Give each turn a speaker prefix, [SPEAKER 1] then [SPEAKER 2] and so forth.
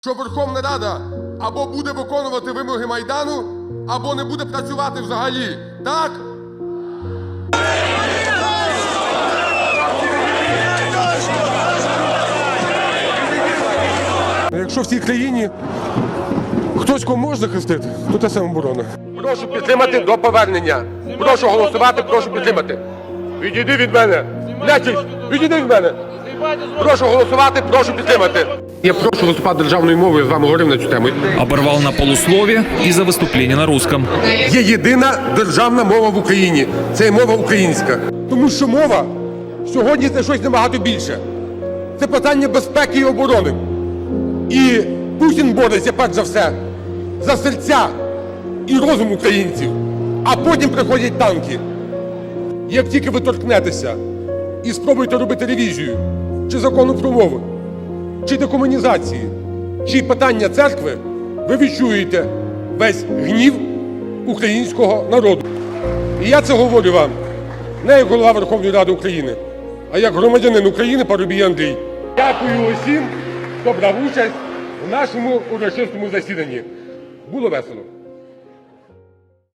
[SPEAKER 1] що Верховна Рада або буде виконувати вимоги Майдану, або не буде працювати взагалі. Так? Якщо в цій країні хтось кого може захистити, то це самооборона. Прошу підтримати до повернення. Прошу голосувати, прошу підтримати. Відійди від мене. Нечисть, відійди від мене. Прошу голосувати, прошу підтримати. Я прошу виступати державною мовою, я з вами говорив на цю тему.
[SPEAKER 2] Оборвал на полуслове из-за выступления на русском.
[SPEAKER 1] Є єдина державна мова в Україні. Це мова українська. Тому що мова сьогодні це щось набагато більше. Це питання безпеки і оборони. І Путін бореться, перш за все, за серця і розум українців. А потім приходять танки. Як тільки ви торкнетеся і спробуєте робити ревізію, чи закону про мову, чи декомунізації, чи питання церкви, ви відчуєте весь гнів українського народу. І я це говорю вам не як голова Верховної Ради України, а як громадянин України Парубій Андрій. Дякую усім, хто брав участь в нашому урочистому засіданні. Було весело.